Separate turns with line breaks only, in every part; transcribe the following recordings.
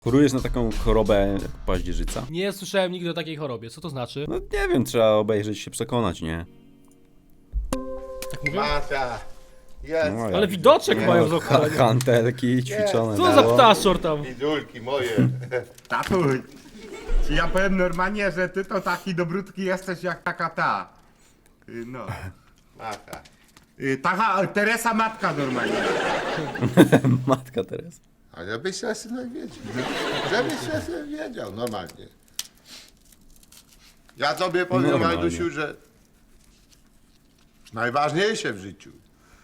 Chorujesz na taką chorobę jak paździerzyca?
Nie słyszałem nigdy o takiej chorobie. Co to znaczy?
No nie wiem, trzeba obejrzeć się przekonać, nie?
Tak mówią?
Mata, jest.
No,
Ale
jak-
widoczek
Nie,
mają
no,
z ochrony.
Hantelki ćwiczone.
Co za
było.
ptaszor tam?
Idulki moje.
Tatuś, czy ja powiem normalnie, że ty to taki dobrutki jesteś jak taka ta. No.
Mata.
Taka Teresa matka normalnie.
Matka Teresa.
A żebyś się synek wiedział. Żebyś się synek wiedział, normalnie. Ja tobie powiem,
Normalnie.
Majdusiu, że najważniejsze w życiu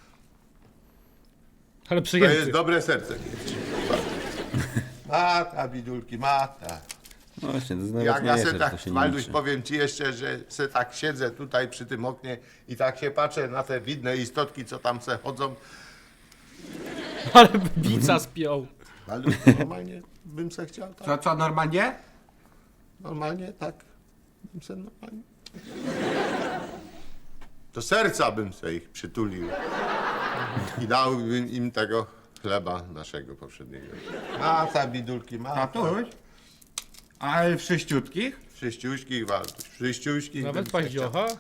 Ale
to
przyjęty.
jest dobre serce mieć. Mata, bidulki, mata.
No właśnie, to jest
Jak ja
najważniejsze,
se
że
tak,
to się nie
Majduś,
liczy.
powiem ci jeszcze, że se tak siedzę tutaj przy tym oknie i tak się patrzę na te widne istotki, co tam se chodzą.
Ale bica spiął.
Majduś, normalnie bym se chciał tak.
Co normalnie?
Normalnie tak. Bym se normalnie. Do serca bym se ich przytulił. I dałbym im tego chleba naszego poprzedniego. Mata, bidulki, mata.
Tatuś? Ale wszyściutkich?
Wszyściuśkich, Walduś, wszyściuśkich.
Nawet
bym se
paździocha?
chciał.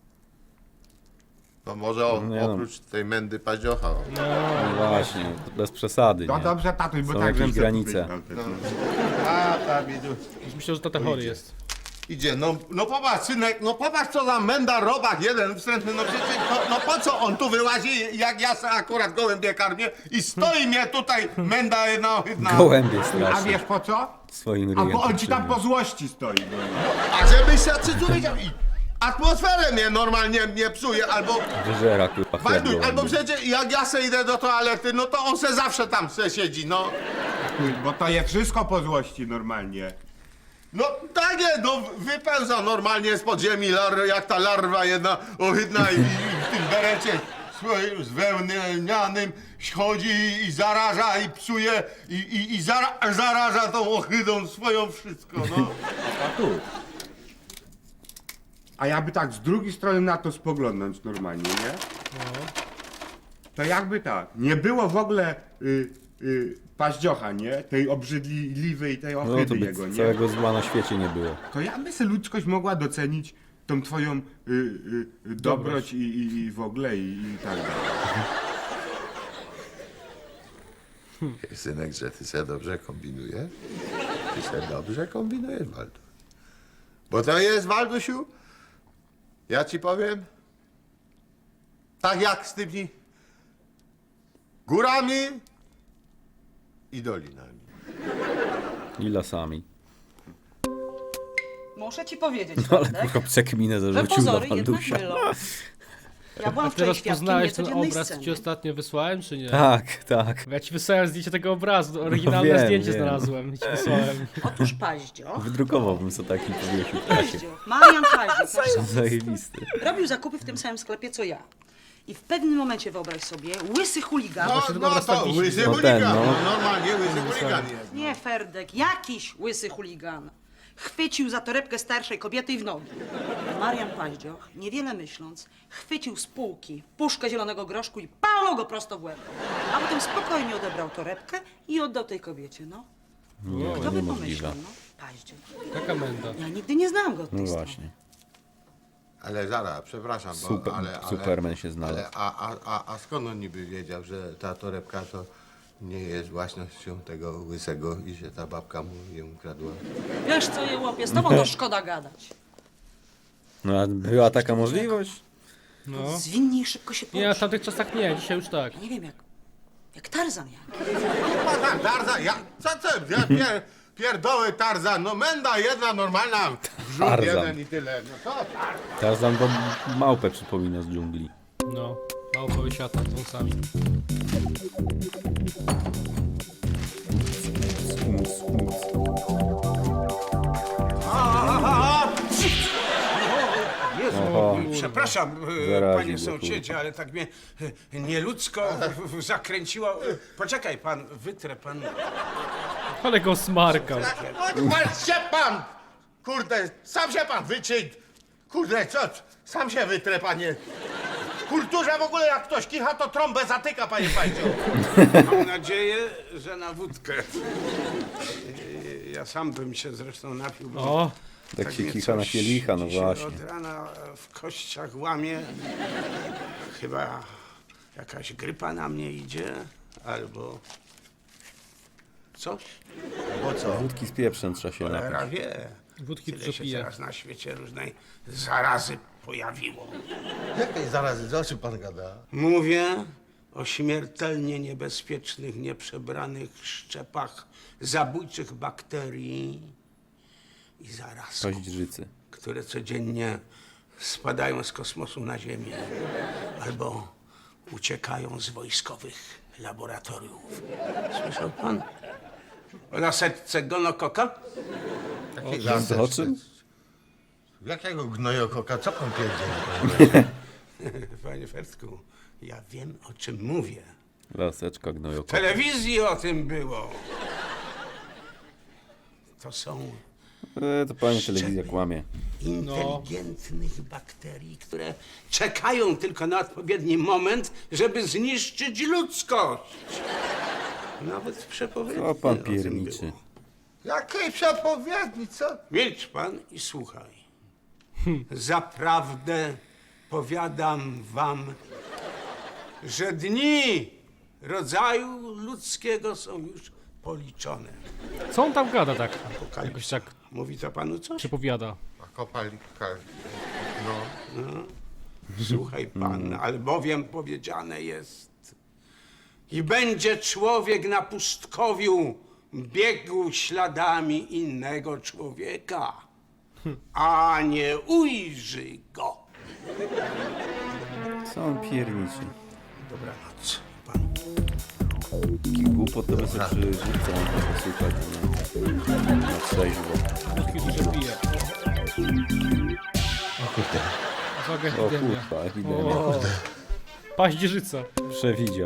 No może
Nie no.
oprócz tej mędy paździocha. o.
No właśnie, to bez przesady,
No
nie?
dobrze, tatuś, bo
Są
tak
jakieś
żem se
granice.
powiedział.
Mata, bidulki.
Myślę, że tata chory jest.
Idzie, no popatrz, synek, no popatrz co za menda robak jeden wstrętny, no przecież, no po co on tu wyłazi, jak ja se akurat gołębie karmię i stoi mnie tutaj menda jedna ohydna.
Gołębie
A
strasznie.
wiesz po co?
Swoim
A
ryjem.
bo on ci tam
przybił.
po złości stoi.
A żebyś się czy wiedział i atmosferę mnie normalnie mnie psuje, albo
Wyżera kurwa chleb
Walduś, albo
gołębi.
przecież jak ja se idę do toalety, no to on se zawsze tam se siedzi, no.
Bo to je wszystko po złości normalnie.
No takie, no wypełza normalnie z podziemi jak ta larwa jedna ohydna i w tym berecie swoim zwełnianym chodzi i zaraża i psuje i zaraża tą ohydą swoją wszystko, no.
Tatuś. A jakby tak z drugiej strony na to spoglądnąć normalnie, nie? To jakby tak, nie było w ogóle paździocha, nie? Tej obrzydliwej, tej
No to
ohydy
by
jego, nie?
całego zła na świecie nie było.
To jakby se ludzkość mogła docenić tą twoją dobroć i w ogóle i tak dalej.
Synek, że ty se dobrze kombinujesz? Ty se dobrze kombinujesz, Walduś. Bo to jest, Waldusiu, ja ci powiem, tak jak z tymi górami i dolinami.
I lasami.
Muszę ci powiedzieć,
No ale
Waldek,
kurwa przekminę
że
zarzucił na
pozory jednak
Waldusia.
mylą. Ja byłam
A
wczoraj
teraz
świadkiem
poznałeś ten
niecodziennej
obraz, co ci
sceny.
ostatnio wysłałem, czy nie?
Tak, tak.
Ja ci wysłałem zdjęcie tego obrazu, oryginalne
wiem,
zdjęcie
wiem.
znalazłem i ci wysłałem.
Otóż Paździo,
Wydrukowałbym sobie taki powiesił w klasie.
Paździo, Marian Paździo, nasz sąsiad,
Zajebisty.
robił zakupy w tym samym sklepie co ja. I w pewnym momencie, wyobraź sobie, łysy chuligan,
No,
Właśnie ten
no
obraz
to
tam wisi.
łysy
No
chuligan,
ten, no.
no normalnie łysy chuligan jest.
nie Ferdek, jakiś łysy chuligan, chwycił za torebkę starszej kobiety i w nogi. Marian Paździoch, niewiele myśląc, chwycił z półki puszkę zielonego groszku i palnął go prosto w łeb. A potem spokojnie odebrał torebkę i oddał tej kobiecie, no.
Nie,
Kto by
niemożliwe.
pomyślał, no? Paździoch.
Taka menda.
Ja nigdy nie znałam go od
No
tej strony.
właśnie.
Ale zaraz, przepraszam, bo,
Super,
ale,
Superman się znalazł.
Ale, a skąd on niby wiedział, że ta torebka to nie jest własnością tego łysego i że ta babka mu ją ukradła?
Wiesz co, je łopie, z tobą to szkoda gadać.
No a była taka możliwość?
No.
Zwinnie i szybko się
Nie, w
porusz.
tamtych czasach nie, dzisiaj już tak.
Ja nie wiem, jak Tarzan jak.
Pan Tarzan, ja pierdoły Tarzan, no menda jedna normalna, wrzut
Tarzan.
jeden i tyle. No to
Tarzan to małpę przypomina z dżungli.
No, małpowy świata z wąsami.
Jezu,
Oho.
przepraszam,
Zaraził
panie
go,
sąsiedzie, ale tak mnie nieludzko zakręciło. Poczekaj pan, wytrę pan.
Ale go smarkał.
Patrz się pan! Kurde, sam się pan wyczyń! Kurde, co? Sam się wytrę, panie. kulturze w ogóle jak ktoś kicha, to trąbę zatyka, panie Paździo.
Mam nadzieję, że na wódkę. Ja sam bym się zresztą napił, bo
O,
Tak się
mnie
kicha na
coś
kielicha, no
dzisiaj
właśnie.
Od rana w kościach łamie. Chyba jakaś grypa na mnie idzie, albo coś.
Bo co?
Wódki z pieprzem trzeba się napić.
Cholera wie.
wódki
Tyle
dużo
się
pije.
teraz na świecie różnej zarazy pojawiło.
Jakiej zarazy? O czym pan gada?
Mówię o śmiertelnie niebezpiecznych, nieprzebranych szczepach zabójczych bakterii i zarazków,
Paździerzycy.
które codziennie spadają z kosmosu na Ziemię albo uciekają z wojskowych laboratoriów. Słyszał pan o nasetce gonokoka?
O czym?
Jakiego gnojokoka? Co pan pierdzieli?
Panie Fertku, ja wiem, o czym mówię.
Laseczka
W
gnojoko.
telewizji o tym było. To są
To pani telewizja kłamie.
inteligentnych bakterii, które czekają tylko na odpowiedni moment, żeby zniszczyć ludzkość. Nawet w przepowiedni
O pan
o tym
pierniczy.
było.
Jakiej przepowiedni, co?
Milcz pan i słuchaj. Zaprawdę powiadam wam, że dni rodzaju ludzkiego są już policzone.
Co on tam gada tak? Jakoś
Apokalipsa.
tak
Mówi to panu coś?
przepowiada.
A kopalika. No.
Słuchaj pan, albowiem powiedziane jest i będzie człowiek na pustkowiu biegł śladami innego człowieka, a nie ujrzy go.
Co on pierniczy?
Dobranoc, pan.
Taki głupot to by sobie przyrzucał, posłuchać na trzeźwo.
Wódki dużo pije. Uwaga,
O
epidemia.
kurwa, epidemia.
O, paździerzyca.
Przewidział.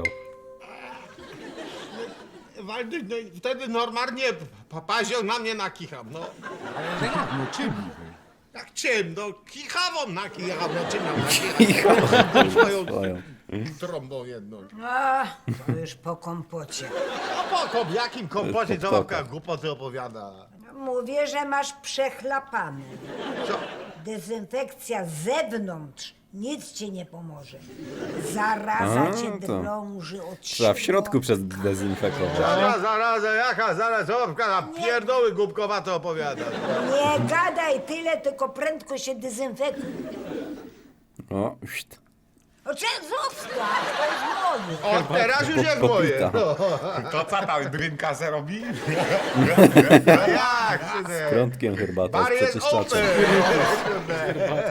Waldy, no i wtedy normalnie papazio na mnie nakichał, no.
Ale jak, no czym niby?
Jak czym? No kichawą nakichał, no czym mam nakichał? Swoją
Swoją.
trąbą jedną.
A, to już po kompocie.
A po jakim kompocie co
Pokota.
babka głupoty opowiada?
Mówię, że masz przechlapane.
Co?
Dezynfekcja z zewnątrz nic ci nie pomoże. Zaraza cię
to
drąży od
Trzeba w
siebie.
środku dezynfekować.
Zaraza, jaka zaraz, co babka na pierdoły głupkowate opowiada.
Nie gadaj tyle, tylko prędko się dezynfekuj.
O, szt.
O czym zostaw? To jest moje.
O, teraz już jest moje.
Popita.
No.
To co tam, drinka se robi?
A jak, synek?
Prądkiem herbata
Bar
z
jest
przeczyszczaczem.
open.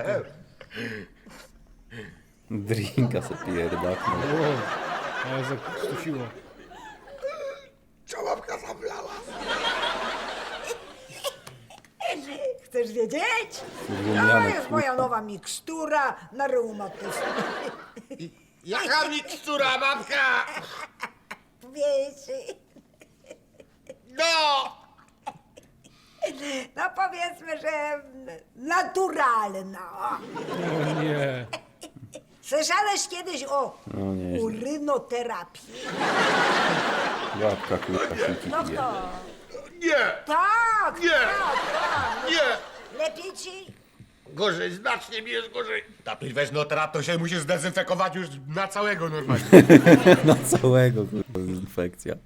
Drinka se pierdaknął.
Ale zakrztusiło.
Co babka zablała?
Chcesz wiedzieć? To
Złumianek,
jest moja nowa mikstura na reumatyzm.
Jaka mikstura, babka?
Wiecie?
No!
No powiedzmy, że naturalna.
O nie.
Słyszałeś kiedyś o
No nie,
urynoterapii?
babka kurwa siki
No
pije.
to.
Nie!
Tak,
Nie.
tak, tak.
Nie!
Lepiej ci?
Gorzej, znacznie mi jest gorzej.
Tapisz weź no teraz to się musisz zdezynfekować już na całego normalnie.
Na całego kurwa infekcja.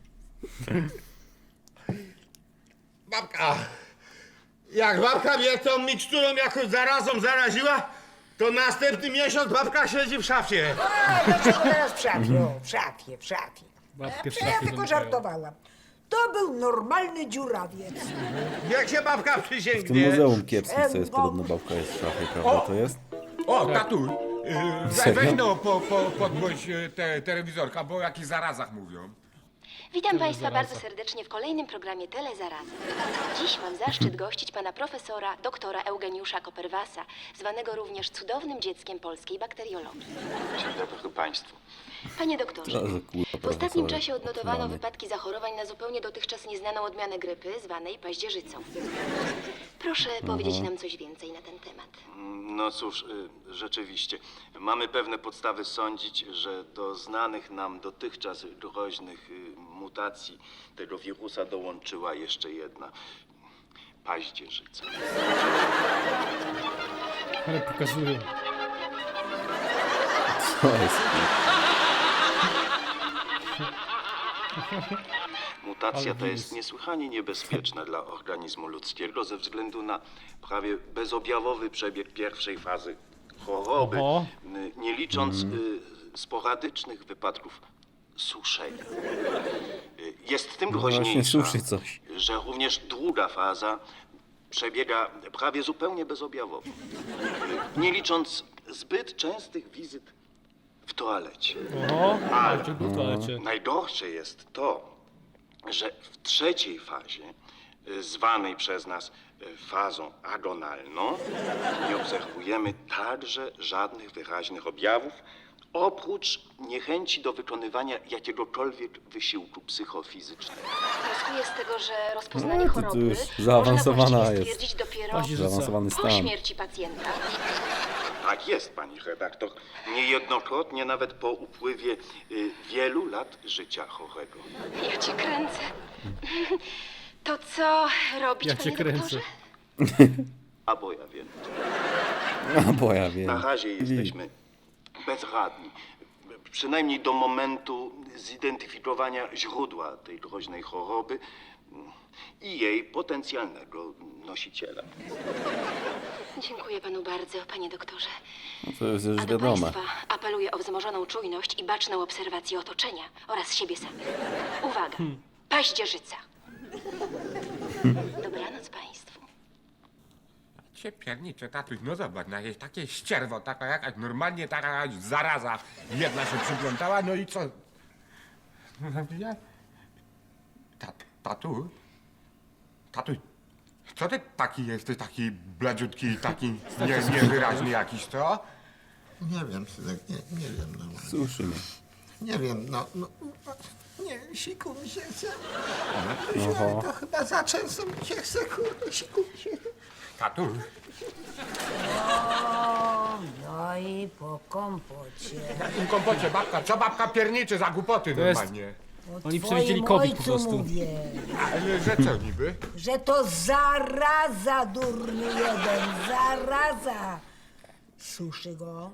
Babka, jak babka mnie tą miksturą jakoś zarazą zaraziła, to następny miesiąc babka siedzi w szafie.
A, dlaczego teraz w szafie? O, w szafie.
Babkę w
Ja
szafie
tylko
zamykają.
żartowałam. To był normalny dziurawiec.
Jak się babka
W tym
przysięgnie.
muzeum kiepskim, co jest podobno babka jest w szafie, prawda to jest?
O, tatuś,
Serio?
weź no podgłoś te telewizorka, bo o jakichś zarazach mówią.
Witam Państwa
Telezaraza.
bardzo serdecznie w kolejnym programie Telezaraza. Dziś mam zaszczyt gościć pana profesora, doktora Eugeniusza Koperwasa, zwanego również cudownym dzieckiem polskiej bakteriologii.
Dzień dobry Państwu.
Panie doktorze,
Co za kurwa
w ostatnim
profesor.
czasie odnotowano
Rany.
wypadki zachorowań na zupełnie dotychczas nieznaną odmianę grypy, zwanej paździerzycą. Proszę powiedzieć nam coś więcej na ten temat.
No cóż, rzeczywiście, mamy pewne podstawy sądzić, że do znanych nam dotychczas groźnych mutacji tego wirusa dołączyła jeszcze jedna paździerzyca.
Ale pokazują.
Co jest?
Mutacja
Ale
ta jest
wirus.
niesłychanie niebezpieczna dla organizmu ludzkiego ze względu na prawie bezobjawowy przebieg pierwszej fazy choroby,
Oho.
nie licząc sporadycznych wypadków suszenia. Jest tym
No właśnie,
groźniejsza,
suszy coś.
że również druga faza przebiega prawie zupełnie bezobjawowo, nie licząc zbyt częstych wizyt w toalecie.
Oho,
Ale-
walczył w toalecie.
Najgorsze jest to, że w trzeciej fazie, zwanej przez nas fazą agonalną, nie obserwujemy także żadnych wyraźnych objawów, oprócz niechęci do wykonywania jakiegokolwiek wysiłku psychofizycznego.
Wnioskuję z tego, że rozpoznanie
No, to
choroby
już
można
zaawansowana
właściwie
jest.
stwierdzić dopiero
Paździerzyca.
Zaawansowany
po
stan.
śmierci pacjenta.
Tak jest, pani redaktor. Niejednokrotnie nawet po upływie wielu lat życia chorego.
Ja cię kręcę. To co robić,
Ja cię
panie
kręcę.
doktorze?
A bo ja wiem.
A bo ja wiem.
Na razie jesteśmy bezradni. Przynajmniej do momentu zidentyfikowania źródła tej groźnej choroby i jej potencjalnego nosiciela.
Dziękuję panu bardzo, panie doktorze.
No to jest już
A do
wiadome.
państwa apeluję o wzmożoną czujność i baczną obserwację otoczenia oraz siebie samych. Uwaga, paździerzyca. Dobranoc państwu.
Cię pierniczę, tatuś, no zobacz, no jest takie ścierwo, taka jakaś, normalnie taka jakaś zaraza jedna się przyplątała, no i co? Tatuś? Tatuś, co ty taki jesteś, taki bladziutki, taki niewyraźny jakiś, co?
Nie wiem, synek, nie wiem. No.
Suszy mnie.
Nie wiem, nie, siku mi się chce.
Oho.
To chyba za często mi się chce, kurde, siku mi się.
Tatuś,
No i po kompocie.
na tym kompocie babka, co babka pierniczy za głupoty
To jest-
normalnie?
O
Oni
twoim
przewidzieli COVID po
ojcu
prostu.
mówię,
Ale że co niby?
że to zaraza, durny jeden, zaraza. Suszy go,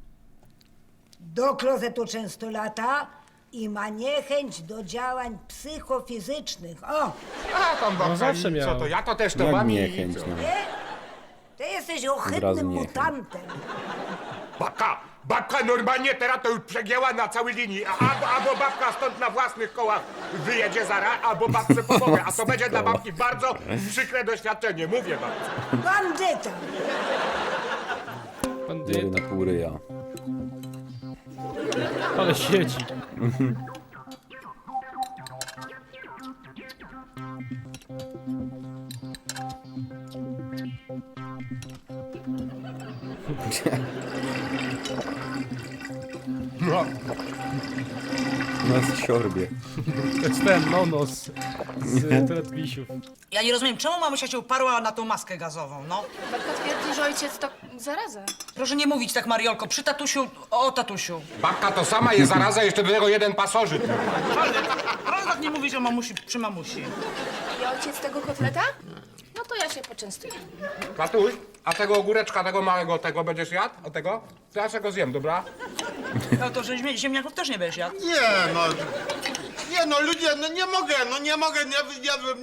do klozetu często lata i ma niechęć do działań psychofizycznych. O,
A tam babka,
zawsze
i co
miał.
to, ja to też to
Jak
mam i
niechęć,
co?
no.
nie? Ty jesteś
Od razu
ohydnym
niechęć.
mutantem.
Babka normalnie teraz to już przegięła na całej linii. Albo babka stąd na własnych kołach wyjedzie zaraz, albo babce pomogę. A to będzie dla babki bardzo przykre doświadczenie, mówię babce.
Bandyta.
Bandyta.
Dziury na pół ryja.
Ale siedzi.
No,
Nas siorbie.
To jest ten nonos z Teletubbiesiów.
Ja nie rozumiem, czemu mamusia się uparła na tą maskę gazową, no?
Babka twierdzi, że ojciec to zaraza.
Proszę nie mówić tak, Mariolko, przy tatusiu, o tatusiu.
babka to sama jest zaraza, jeszcze do tego jeden pasożyt.
Proszę tak nie mówić o mamusi, przy mamusi.
I ojciec tego kotleta? No to ja się poczęstuję.
Tatuś, a tego ogóreczka, tego małego, tego będziesz jadł? O tego? To ja sobie go zjem, dobra?
No to, że ziemniaków też nie będziesz jadł.
Nie no, ludzie, no nie mogę,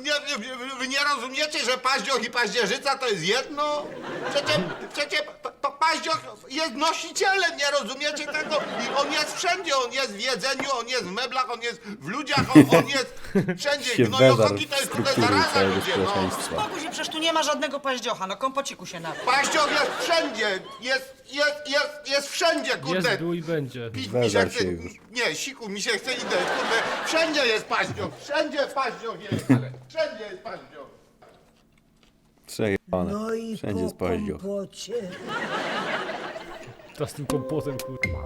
wy nie rozumiecie, że paździoch i paździerzyca to jest jedno? Przecież to Paździoch jest nosicielem, nie rozumiecie tego? I on jest wszędzie, on jest w jedzeniu, on jest w meblach, on jest w ludziach, on jest wszędzie.
Się
Gnojokoki
wezarł
to jest
w
trochę
struktury
zaraza,
całego
ludzie, no.
społeczeństwa.
Spokój się, przecież tu nie ma żadnego paździocha, no kompociku się napił.
Paździoch jest wszędzie, jest wszędzie, kurde.
Jest, był i będzie.
Pić mi się
Wezarł
chce,
się już.
nie, siku mi się chce idę, kurde. Wszędzie jest paździoch, wszędzie paździoch jest, ale wszędzie jest paździoch.
Przejebane.
No i
Wszędzie jest
po
paździoch.
kompocie.
To z tym kompotem, kurwa.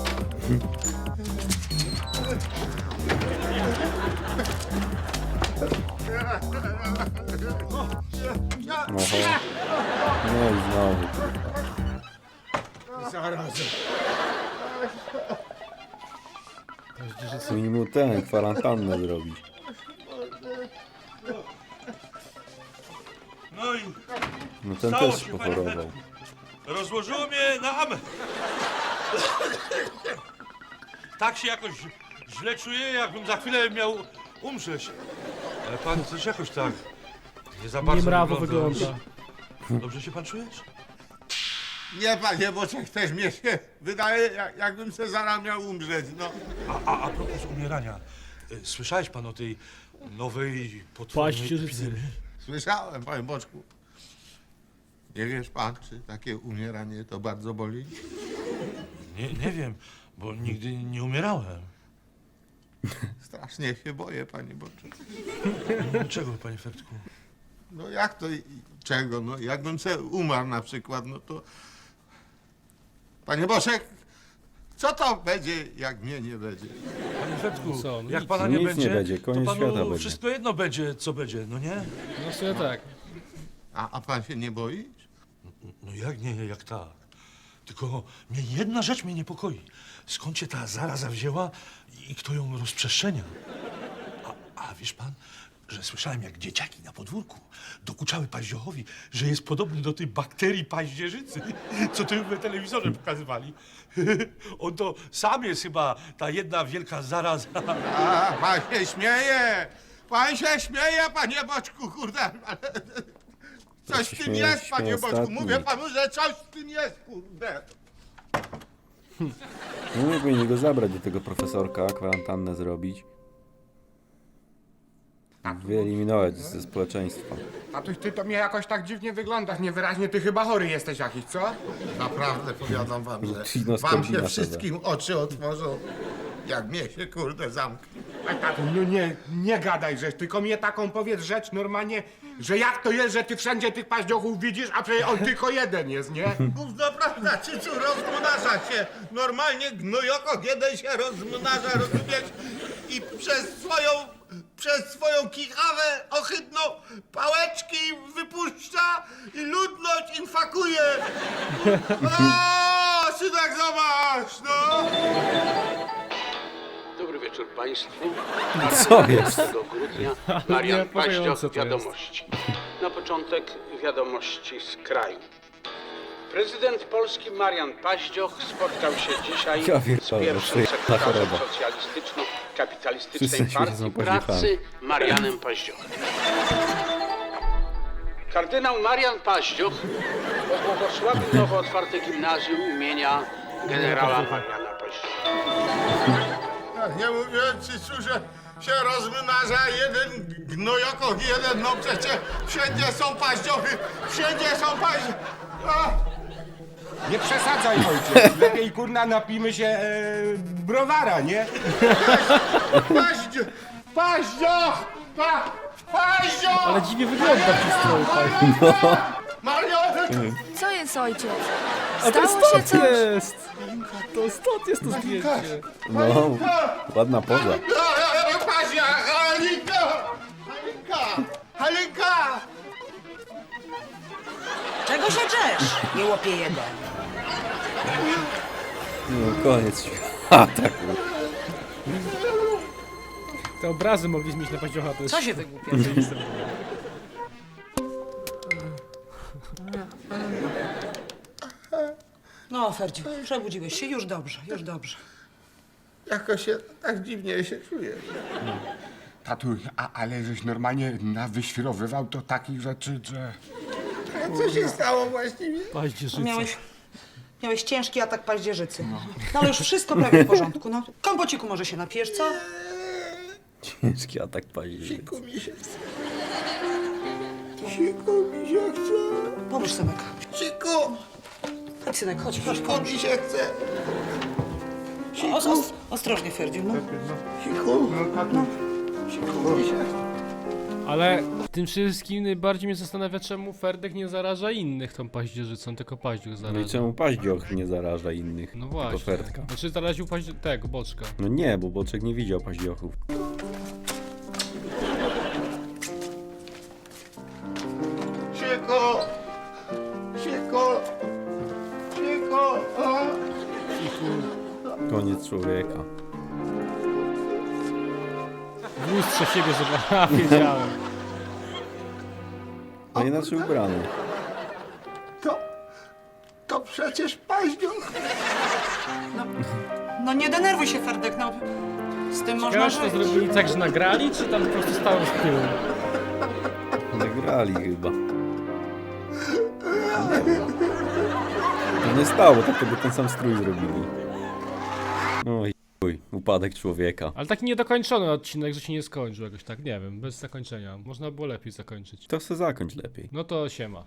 Oho. No i znowu. Minimum ten, kwarantannę zrobić.
No i
No ten
Stało
też
się, panie
pochorował.
rozłożyło mnie na amę. Tak się jakoś źle czuję, jakbym za chwilę miał umrzeć. Ale pan coś jakoś tak nie za bardzo
Niemrawo wygląda.
Dobrze się pan czujesz?
Nie, panie Boczek, też mnie się wydaje, jakbym se zaraz miał umrzeć, no.
A propos umierania. Słyszałeś pan o tej nowej potwornej
Paździerzycy.
epidemii?
Słyszałem, panie Boczku. Nie wiesz pan, czy takie umieranie to bardzo boli?
Nie wiem, bo nigdy nie umierałem.
Strasznie się boję, panie Boczek.
Czego, panie Fertku?
No jak to, czego? No jakbym se umarł na przykład, no to... Panie Boczek, co to będzie, jak mnie nie będzie?
Panie Fertku,
Co, no
jak
nic.
pana
Nic
nie
nie
będzie,
będzie, koniec
to
świata
panu
będzie.
wszystko jedno będzie, co będzie, no nie?
No sobie tak.
A pan się nie boi?
No jak nie, jak tak. Tylko jedna rzecz mnie niepokoi. Skąd się ta zaraza wzięła i kto ją rozprzestrzenia? A wiesz pan, że słyszałem, jak dzieciaki na podwórku dokuczały paździochowi, że jest podobny do tej bakterii paździerzycy, co to w telewizorze pokazywali. On to sam jest chyba ta jedna wielka zaraza.
A, pan się śmieje! Pan się śmieje, panie Boczku, kurde, ale... Coś w tym jest, panie Boczku,
ostatni.
mówię panu, że coś w tym jest, kurde.
No nie powinni go zabrać do tego profesorka, kwarantannę zrobić. Wyeliminować ze społeczeństwa.
Tatuś, ty to mnie jakoś tak dziwnie wyglądasz, niewyraźnie ty chyba chory jesteś jakiś, co?
Naprawdę powiadam wam, że
Trudno
wam się
skombinować.
wszystkim oczy otworzą, jak mnie się, kurde, zamknie.
A tatuś, no nie gadaj rzecz, tylko mnie taką powiedz rzecz normalnie, że jak to jest, że ty wszędzie tych paździochów widzisz, a przecież on tylko jeden jest, nie?
Gówno prawda, Cycu, rozmnaża się. Normalnie gnojokok jeden się rozmnaża, rozumiesz? I przez swoją kichawę ohydną pałeczki wypuszcza i ludność infakuje. O, synek, zobacz, no!
Dobry wieczór Państwu.
Co jest?
15 grudnia Marian
Niepokojące
Paździoch,
to jest.
wiadomości. Na początek wiadomości z kraju. Prezydent Polski Marian Paździoch spotkał się dzisiaj
Ja
z
pierdolę,
pierwszym
przyjechała
sekretarzem
choroba.
socjalistyczno-kapitalistycznej
Wszyscy się
Partii
są
Pracy
pośmiechami.
Marianem Paździochem. Kardynał Marian Paździoch pobłogosławił nowo otwarte gimnazjum imienia generała Mariana Paździocha.
Nie mówiłem, Cycu, że się rozmnaża jeden gnojokok, jeden, no przecież wszędzie są paździochy, wszędzie są paździochy.
Nie przesadzaj, ojciec, lepiej kurna napijmy się browara, nie?
Paździoch! Paździoch!
Ale dziwnie wygląda przy stroju paździoch.
Mario!
Co jest, ojciec?
A to
Stało się
stąd
coś?
jest! To stąd jest to zdjęcie.
No, ładna poza.
Paździoch! Halinka! Halinka! Halinka!
Czego się drzesz, nie łopie jeden?
No, koniec świata.
Te obrazy mogli zmienić na paździocha, to jest...
Co się wygłupia? No, Ferdziu, przebudziłeś się, już dobrze, już dobrze.
Jakoś się tak dziwnie się czuję.
Tatuś, ale żeś normalnie wyświrowywał to takich rzeczy, że...
A co się stało właściwie?
Paździerzyca.
Miałeś ciężki atak paździerzycy. No ale już wszystko prawie w porządku. No, kompociku może się napijesz, co?
Ciężki atak paździerzycy.
Siku mi się chce. Siku mi się chce.
Pomóż, synek.
Siku,
Chodź, synek, chodź, chodź.
siku mi się chce.
Ostrożnie, Ferdziu, no.
Siku,
No tak,
siku mi się chce.
Ale w tym wszystkim najbardziej mnie zastanawia, czemu Ferdek nie zaraża innych tą paździerzycą, tylko Paździoch
No i
zaraża.
czemu paździoch nie zaraża innych?
No
Tylko
właśnie.
Ferdka.
Znaczy zaraził tego, Boczka.
No nie, bo Boczek nie widział paździochów.
Siku, siku, siku, a?
Koniec człowieka.
W lustrze siebie zobaczyłem. Wiedziałem.
No inaczej ubrany.
To przecież paździoch.
No nie denerwuj się, Ferdek, no. Z tym można
Ciekawe, czy to
żyć.
zrobili tak, że nagrali, czy tam po prostu stało z tyłu?
Nagrali chyba. Nie wiem. To nie stało, tak to by ten sam strój zrobili. Oj, chuj, upadek człowieka.
Ale taki niedokończony odcinek, że się nie skończył jakoś tak, nie wiem, bez zakończenia. Można było lepiej zakończyć.
To se zakończ lepiej.
No to siema.